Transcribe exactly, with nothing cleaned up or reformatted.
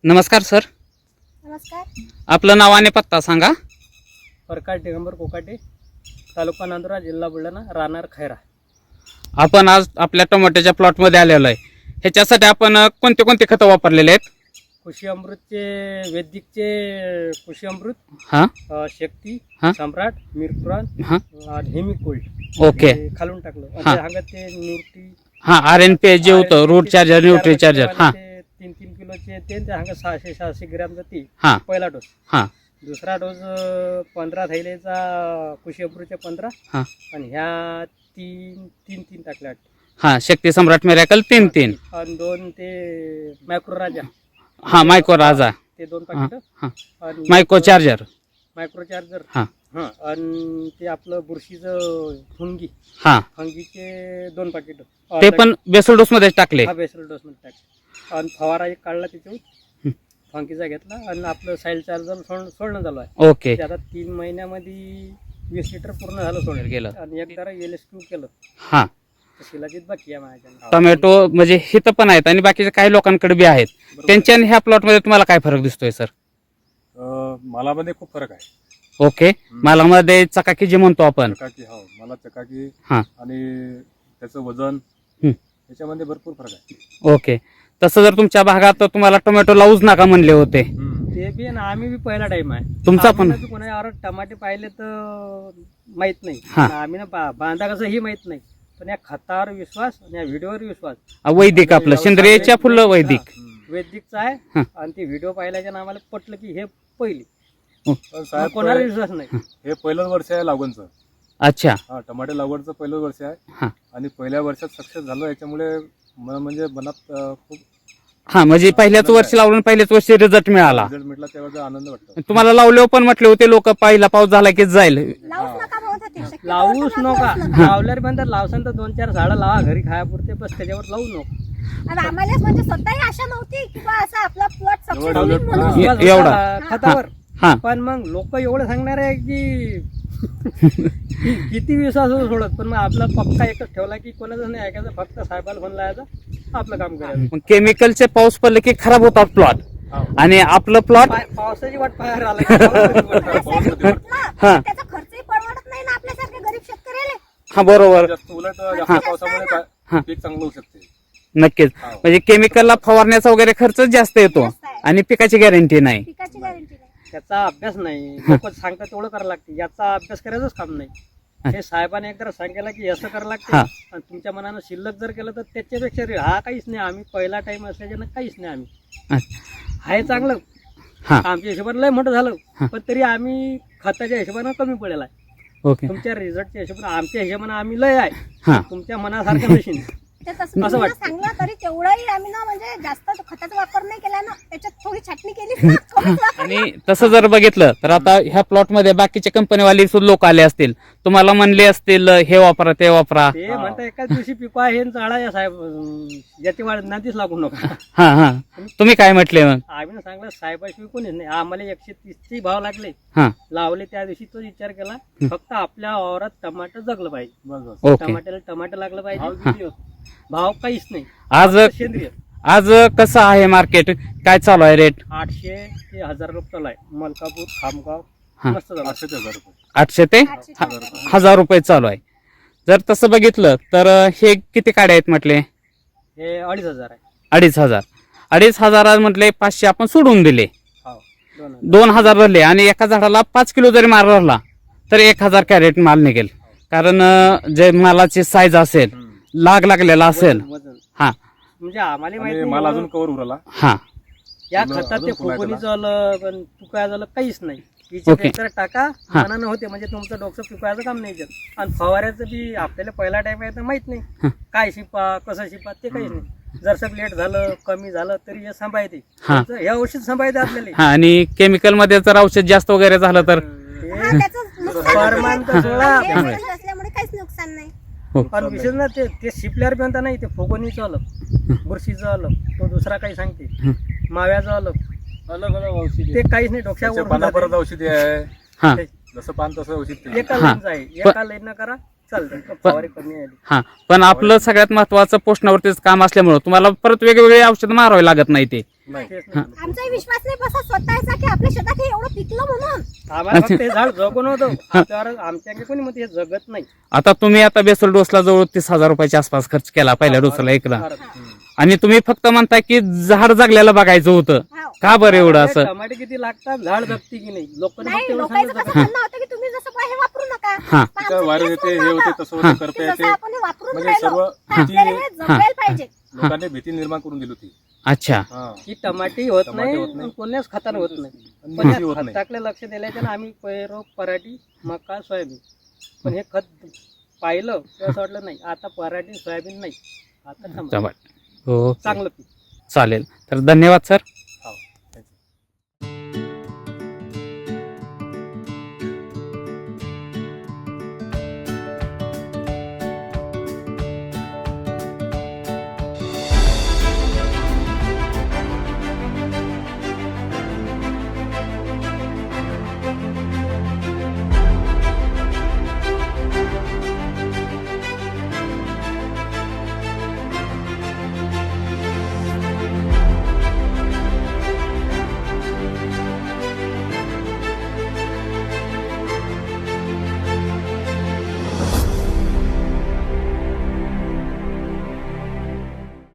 नमस्कार सर. नमस्कार. आपलं नाव आणि पत्ता सांगा. प्रकाश दिगंबर कोकाटे, तालुका नांदुरा, जिल्हा बुलढाणा, राहणार खैरा. आपण आज आपल्या टोमॅटोच्या प्लॉटमध्ये आलेलो आहे. ह्याच्यासाठी आपण कोणते कोणते खतं वापरलेले आहेत? कृषी अमृतचे, वैदिकचे कृषी अमृत, हां अ, शक्ती, हां. सम्राट, मिरपुराण, हां हेमी गोल्ड. ओके. ते खालून टाकलं. हां. आणि सांगत ते न्यूट्री हां आर एन पी जे होतं रूट चार्जर न्यूट्री चार्जर. हां ते तीन तीन किलोचे ते ते सांगत सहाशे सहाशे ग्रॅमचा ती हां पहिला डोस. हां दुसरा डोस पंधरा थैलेचा कृषी अमृतचे पंधरा. हां आणि ह्या तीन तीन तीन टाकल्या वाटतं. हां शक्ती सम्राट मिरॅकल तीन तीन. आणि दोन ते मायक्रो राजा, हां मायको राजा. ते दोन हां पाकिट. हां आणि मायको चार्जर. Micro charger. हां हां. आणि ते आपलं बुरशीचं फंगी हां फंगीचे दोन पाकिट. ते पण बेसल डोसमध्ये टाकले. हा बेसल डोस मध्ये टाक. आणि फवारा एक काढला त्याच्यावर, फंगीचा घेतला आणि आपलं साईल चार्जर सोड सोडणं चालू आहे. ओके. ते आता तीन महिन्यामध्ये वीस लिटर पूर्ण झालं सोडलं गेलं. आणि एक जरा एल एस क्यू केलं. हां शिलाजीत बाकी आहे माझ्या. टोमॅटो म्हणजे हिथं पण आहेत आणि बाकीच्या काही लोकांकडे बी आहेत. त्यांच्या आणि ह्या प्लॉटमध्ये तुम्हाला काय फरक दिसतोय सर? मालामध्ये खूप फरक आहे. ओके. मालामध्ये चकाकी जे म्हणतो आपण. चकाकी, हो मला चकाकी हां आणि त्याचं वजन हं. याच्यामध्ये भरपूर फरक आहे. ओके. तसं जर तुमच्या भागात तुम्हाला टोमॅटो लावूच नका म्हणले होते. ते बी आणि आम्ही बी पहिला टाइम आहे तुमचा पण? आम्ही ना कोणावर टमाटे पाहिले तर माहित नाही. हां. आम्ही ना बा- बांधा कसं ही माहित नाही. पण या खतावर विश्वास आणि या व्हिडिओवर विश्वास. वैदिक आपलं सेंद्रियच्या फुलं वैदिक. हा, वैदिकचा आहे. हां. आणि ते व्हिडिओ पाहिल्याच्या नावाला पटलं की हे पहिली. पण साहेब कोणाला विश्वास नाही. हे पहिलंच वर्ष आहे लागवणचं. अच्छा. हा टमाटे लागवडचं पहिलंच वर्ष आहे. हां आणि पहिल्या वर्षात सक्सेस झालं याच्यामुळे म- म्हणजे मनात अं, खूप हां म्हणजे पहिल्याच वर्षी लावून पहिल्याच वर्षी रिझल्ट मिळाला. रिझल्ट मिळाला तेव्हा आनंद वाटतो. तुम्हाला लावल्यावर पण म्हटले होते लोक पहिला पाऊस झाला की जाईल. लावूच नका म्हणत होते. शक्यतो लावूच तर नका. लावूच नका. लावल्यावर म्हणतात लावसान तर दोन चार झाडं लावा घरी खायापुरते, बस त्याच्यावर लावू नको. आणि आम्हाला म्हणजे स्वतःही आशा नव्हती की बा असं आपला प्लॉट सक्सेस एवढं होईल डेव्हलप म्हणून. ए- विश्वास एवढा. होता खतावर. हां पण मग लोक एवढं सांगणार आहे की किती विश्वास होतो सोडत. पण मग आपला पक्का एकच ठेवला की कोणाचं नाही ऐकायचं, फक्त साहेबाला फोन लावायचा, आपलं काम करायचं. केमिकलचे पाऊस पडले की खराब होतात प्लॉट आणि आपलं प्लॉट. पाय- पावसाची वाट पाहायला आला की पावसाची वाट पाहायला. असं जरी म्हटलं, हां. त्याचा खर्चही परवडत नाही ना आपल्यासारख्या गरीब शेतकऱ्याला. हा बरोबर. जास्त उलट जास्त पावसामुळे हां. काय- पीक चांगलं होऊ शकते. नक्कीच. म्हणजे केमिकलला फवारण्याचा वगैरे खर्च जास्त येतो जास्त आहे. आणि पिकाची गॅरंटी नाही. पिकाची गॅरंटी नाही. त्याचा अभ्यास नाही. लोक सांगतात तेवढं करायला लागते. याचा अभ्यास करायचंच काम नाही. हे साहेबाने एकदा सांगायला की असं करायला लागते. हां. आणि तुमच्या मनानं शिल्लक जर केलं तर त्याच्यापेक्षा रे- हा काहीच नाही. आम्ही पहिला टाइम असल्याच्यानं काहीच नाही. आम्ही आहे चांगलं. हां आमच्या हिशोबाने लय मोठं झालं. हां. पण तरी आम्ही खताच्या हिशोबानं कमी पडेल आहे. ओके. तुमच्या रिझल्टच्या हिशोबाने आमच्या हिशोबाने आम्ही लय आहे. हां तुमच्या मनासारखं नशीन. ते तसं असं तुम्ही वाटतं. सांगलं तरी तेवढंही आम्ही ना म्हणजे जास्त खताचा वापर नाही केला ना, त्याच्यात थोडी छाटणी केली ना, कमीच वापरलं. आणि तसं जर बघितलं तर आता ह्या प्लॉट मध्ये बाकीच्या कंपनीवाले सुद्धा लोक आले असतील, तुम्हाला म्हणले असतील हे वापरा ते वापरा. ते म्हणता एकाच दिवशी पिको आहे हे झाडा या साहेब अं, याची वाढ नातीच लागू नका. हा हा तुम्ही काय म्हटले मग? आम्ही ना सांगलं साहेबाशिवाय कोणीच नाही. आम्हाला एकशे तीसचे भाव लागले. हा लावले त्या दिवशी तोच विचार केला, फक्त आपल्या वावरात टमाटर जगलं पाहिजे. बस बस. ओके. टमाट्याला टमाटर लागलं पाहिजे. भाव काहीच नाही. आज फक्त सेंद्रिय. आज कसं आहे मार्केट, काय चालू आहे रेट? आठशे ते हजार रुपये चालू आहे. मलकापूर, खामगाव हा. मस्त चालू आहे. पाचशे ते हजार रुपये. आठशे ते आठशे हा- रुपये. हजार रुपये चालू आहे. जर तसं बघितलं तर हे किती काड्या आहेत म्हटले? हे अडीच हजार आहे. अडीच हजार. अडीच हजार म्हटले पाचशे आपण सोडून दिले, हो दोन हजार. दोन हजार भरले आणि एका झाडाला पाच किलो जरी माल भरला तर एक हजार कॅरेट माल निघेल. कारण अं, जे मालाची साईज असेल, हम्म. लाग लागलेला असेल. वजन- वजन. हा म्हणजे आम्हाला माहिती आणि नाही माल अजून एवढं. कवर उरला. हा या अजून- खतात ते अजून फुलायचं फुगवणीचं आलं पण पिकायचं आलं काहीच नाही. हिच्यात ओके. एकतर टाका हा. मनानं होते म्हणजे तुमचं डोकं पिकायचं काम नाही त्यात. आणि फवाऱ्याचं बी आपल्याला पहिला टाइम आहे तर माहित हा. नाही काय शिपा कसं शिपा ते काहीच नाही. जर सग लेट झालं कमी झालं तरी हे सांभाळते. हा. त्याचं- हे औषध सांभाळते आपल्याला. हा आणि केमिकल मध्ये जर औषध जास्त वगैरे झालं तर हा, त्याचं नुकसान परमान तर होतं. सोडा. आणि हे औषध असल्यामुळे काहीच नुकसान नाही. हो. पण विशेष ना ते ते शिपल्यावर बी म्हणता नाही ते फुगवणीचं आलं, बुरशीचं आलं, तो दुसरा काही सांगते, माव्याचं आलं, अलग अलग औषध ते काहीच नाही. त्याच्या डोक्यावर पानापर्यंत औषधी आहे. हा जसं पान तसं औषध ते. एका हा. लाईनचं आहे. एका लाईन करा चालतं. फवारी कमी आली. हा पण आपलं सगळ्यात महत्वाचं पोषणावरतीच काम असल्यामुळं तुम्हाला परत वेगवेगळे औषध मारावे लागत नाही. ते नाही. तेच नाही. आमचाही विश्वास नाही बसा स्वतःचा की आपल्या शेतात हे एवढं पिकलं म्हणून. आम्हाला फक्त हे झाड जगून होतं आपल्यावर आमच्या कोणी म्हणते हे जगत नाही. आता तुम्ही आता बेसल डोसला जवळ तीस हजार रुपयाच्या आसपास खर्च केला पहिल्या डोसला एकला, आणि तुम्ही फक्त म्हणता की झाड जगल्याला बघायचं होतं. हाव. का बरं एवढं असं? टमाटे किती लागतात, झाड जगते की नाही, लोकांना फक्त नाही एवढं लोकांचं सांगितलं कसं म्हणणं होतं की तुम्ही जसं बा हे वापरू नका. हा. पण काय आमचं वारे तेच येते हे म्हणणं होते होतं तसं हा. होते करता की येते जसं आपण हे वापरून म्हणजे राहिलो सर्व तर आपल्याला हे भीती जगायला पाहिजे. लोकांनी भीती निर्माण करून दिली होती. अच्छा. हा. की टमाटे होत टमाटे नाही होत नाही. आणि कोण्याच खतानं होत नाही. आणि पण भीती होत या नाही. खताकडे लक्ष दिल्याच्या ना आम्ही पैरो पराठी मका सोयाबीन, पण हे खत पाहिलं तर असं वाटलं नाही आता पराठी सोयाबीन नाही, आता टमाटे जवळ. हो चांगलं पीक. चालेल. तर धन्यवाद सर.